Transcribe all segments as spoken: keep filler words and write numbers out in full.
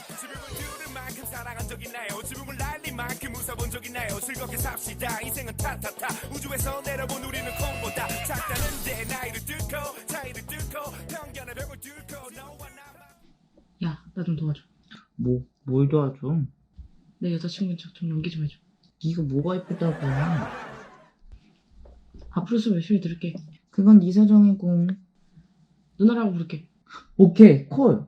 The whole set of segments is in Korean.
지붕을 뚫을 만큼 사랑한 적 있나요? 지붕을 날린 만큼 웃어본 적 있나요? 즐겁게 삽시다. 인생은 타타타. 우주에서 내려본 우리는 콩보다 작다는데 나이를 뚫고 차이를 뚫고 편견의 벽을 뚫고 너와 나만. 야, 나 좀 도와줘. 뭐, 뭘 도와줘? 내 여자친구인 척 좀 연기 좀 해줘. 네가 뭐가 예쁘다고. 앞으로 수업 열심히 들을게. 그건 네 사정이고. 누나라고 부를게. 오케이, 콜.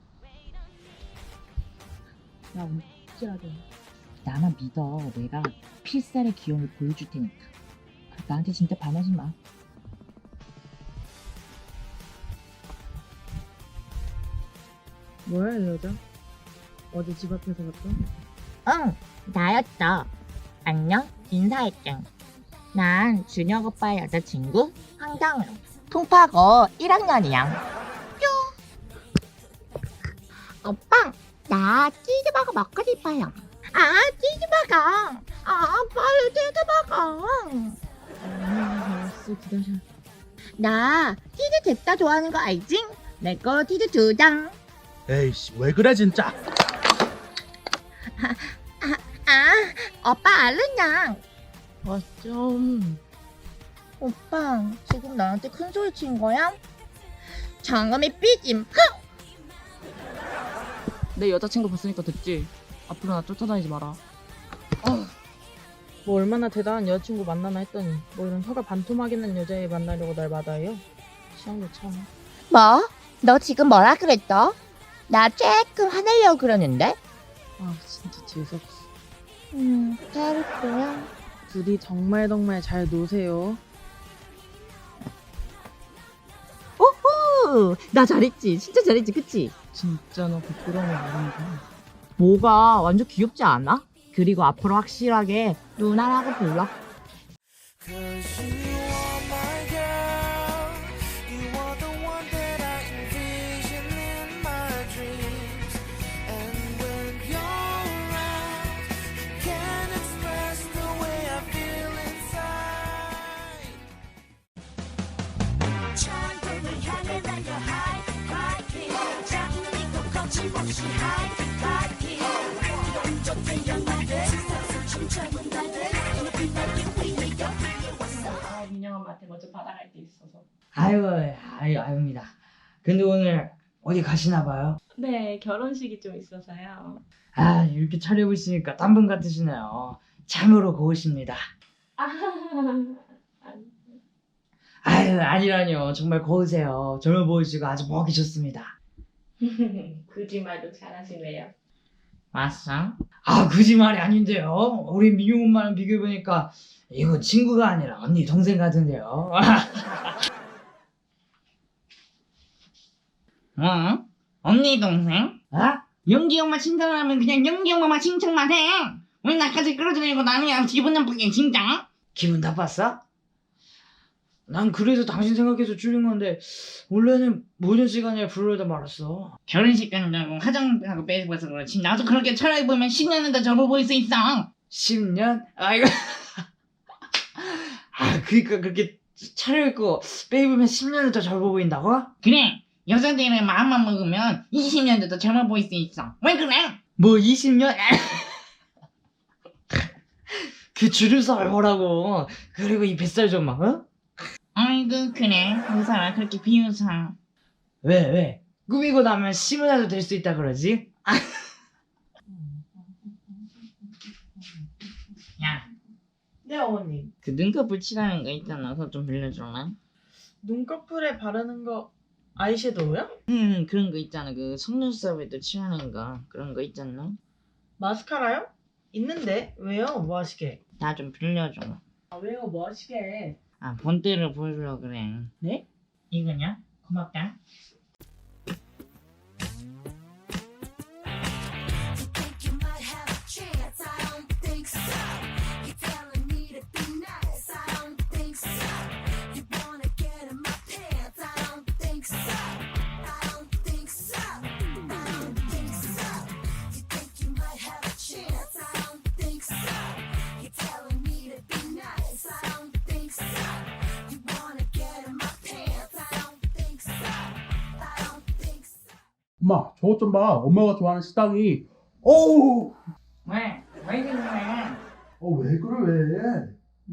야, 오늘 확실하게 나만 믿어. 내가 필살의 기용을 보여줄 테니까. 나한테 진짜 반하지 마. 뭐야, 이 여자? 어제 집 앞에서 봤어? 응, 나였어. 안녕, 인사할게. 난 준혁 오빠의 여자친구 황정우. 통파고 일 학년이야. 오빠, 나 치즈버거 먹고 싶어요. 아, 치즈버거. 아, 빨리 치즈버거. 아, 알았어, 기다려. 나 치즈 잽다 좋아하는 거 알지? 내 거 치즈 두 장. 에이씨 왜 그래 진짜. 아, 오빠 알았냐? 아, 좀. 오빠, 지금 나한테 큰 소리 친 거야? 장엄이 삐짐. 내 여자친구 봤으니까 됐지. 앞으로 나 쫓아다니지 마라. 아, 뭐 얼마나 대단한 여자친구 만나나 했더니 뭐 이런 혀가 반토막있는 여자애 만나려고 날 마다해요? 취향도 참. 뭐? 너 지금 뭐라 그랬어? 나 조금 화내려고 그러는데? 아, 진짜 재수없어. 음, 잘했고요. 둘이 정말 정말 잘 노세요. 오호! 나 잘했지? 진짜 잘했지, 그치? 진짜 너 부끄러움을 모른다. 뭐가 완전 귀엽지 않아? 그리고 앞으로 확실하게 누나라고 불러. Cause you are my girl. You are the one that I envision in my dreams. And when you're around, I can't express the way I feel inside. 천국을 향해 달려 high, high hill. 작은 믿고 거침없이 high, high hill. 온전 태양아래 세상을 춤춰본 나를 높이 날기 위해 여기에 왔어. 아, 민영 엄마한테 먼저 받아갈 게 있어서. 아유, 아유, 아유입니다. 근데 오늘 어디 가시나 봐요? 네, 결혼식이 좀 있어서요. 아, 이렇게 차려입으시니까 딴 분 같으시네요. 참으로 고우십니다. 아, 아유, 아니라뇨. 정말 고우세요. 젊어 보이시고 아주 보기 좋습니다. 거짓말도 잘하시네요. 맞어? 아, 거짓말이 아닌데요. 우리 민용 엄마랑 비교해보니까 이거 친구가 아니라 언니 동생 같은데요. 어? 언니 동생? 아? 영기 엄마 칭찬하면 그냥 영기 엄마만 칭찬만 해. 왜 나까지 끌어들이고 나는 그냥 기분 나쁘게 진짜? 기분 나빴어? 난 그래서 당신 생각해서 줄인 건데 원래는 모든 시간에 부르려다 말았어. 결혼식 간다고 화장하고 빼고서 그렇지. 나도 그렇게 차려입으면 십 년은 더 젊어 보일 수 있어. 십 년? 아이고. 아, 그니까 그렇게 차려입고 빼입으면 십 년은 더 젊어 보인다고? 그래. 여자들은 마음만 먹으면 이십 년도 더 젊어 보일 수 있어. 왜 그래? 뭐 이십 년? 그 주름살 보라고. 그리고 이 뱃살 좀 막, 어? 아이고 그래. 의사가 그렇게 비웃어. 왜 왜? 꾸미고 나면 시문화도 될 수 있다 그러지? 야, 네, 어머님. 그 눈꺼풀 칠하는 거 있잖아. 그거 좀 빌려줄래? 눈꺼풀에 바르는 거 아이섀도우요? 음, 그런 거 있잖아. 그 속눈썹에도 칠하는 거. 그런 거 있잖아. 마스카라요? 있는데 왜요? 뭐 하시게? 나 좀 빌려줘. 아, 왜요? 뭐 하시게? 아, 본때를 보여주려고 그래. 네? 이거냐? 고맙다. You think you might have a chance? I don't think so. You're telling me to be nice? I don't think so. You wanna get in my pants? I don't think so. I don't think so. I don't think so. You think you might have a chance? I don't think so. You're telling me to be nice? I don't think so. You wanna get in my pants? I don't think so. 엄마 저것 좀 봐. 엄마가 좋아하는 식당이. 어우. 왜? 왜 그래? 어왜 그래 왜?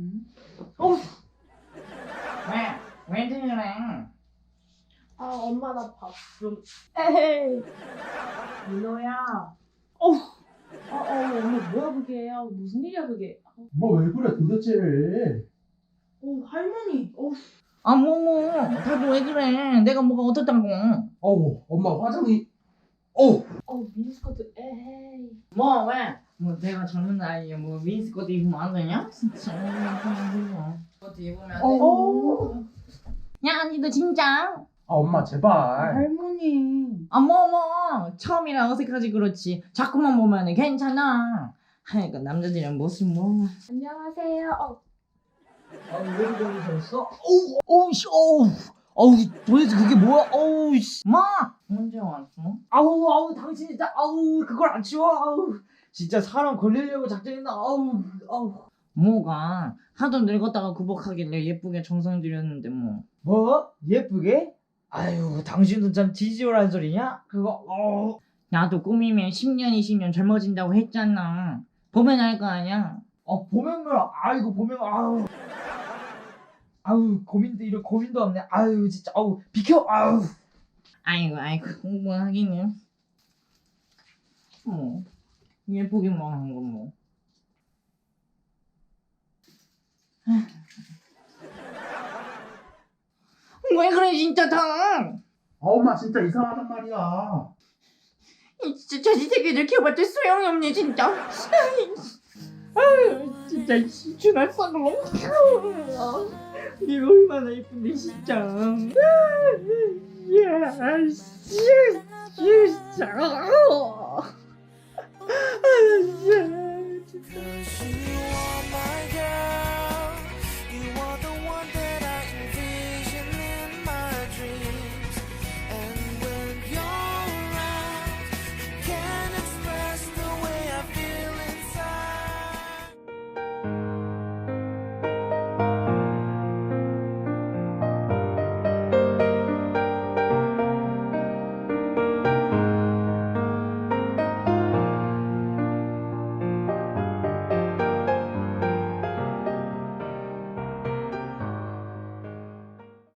왜? 왜 그래? 아 엄마 나 밥 좀. 에헤이. 민호야. 어우. 아, 어, 엄마 뭐야 그게? 아, 무슨 일이야 그게? 엄마 왜 그래 도대체? 어 할머니. 어. 아, 뭐뭐 다들 왜 그래? 내가 뭐가 어떻다고? 어우 엄마 화장이. 어우. 어 미니스커트. 에헤이. 뭐 왜? 뭐 내가 젊은 나이에 뭐 미니스커트 입으면 안 되냐? 진짜 스커트 입으면 안 돼? 어. 야, 니도 진짜? 아 엄마 제발. 할머니. 아, 뭐, 뭐. 처음이라 어색하지, 그렇지. 자꾸만 보면은 괜찮아. 하여간 남자들이랑 무슨 뭐. 안녕하세요. 어. 아왜 그러셨어? 어우, 어우, 씨, 어우. 어우, 도대체 그게 뭐야? 어우, 씨. 마! 언제 왔어? 아우 아우 당신 진짜 아우 그걸 안 치워 아우 진짜 사람 걸리려고 작정했나 아우 아우 뭐가? 하도 늙었다가 구복하길래 예쁘게 정성 들였는데 뭐. 뭐 예쁘게? 아유 당신도 참 지지오라는 소리냐? 그거 어우 나도 꾸미면 십 년, 이십 년 젊어진다고 했잖아. 보면 알 거 아니야? 어 보면 뭐야 아이고 보면 아우 아우 고민도 이런 고민도 없네 아유 진짜 아우 비켜 아우 아이고, 아이고, 뭐 하기는. 뭐, 예쁘기만 한 건 뭐. 왜 그래, 진짜 다! 아 엄마 진짜 이상하단 말이야. 이 진짜 자식 새끼들 키워봤자 소용이 없네, 진짜. 아유, 진짜, 준할 쌍놈. 얘가 얼마나 예쁜데, 진짜. 야, 씨, 진짜.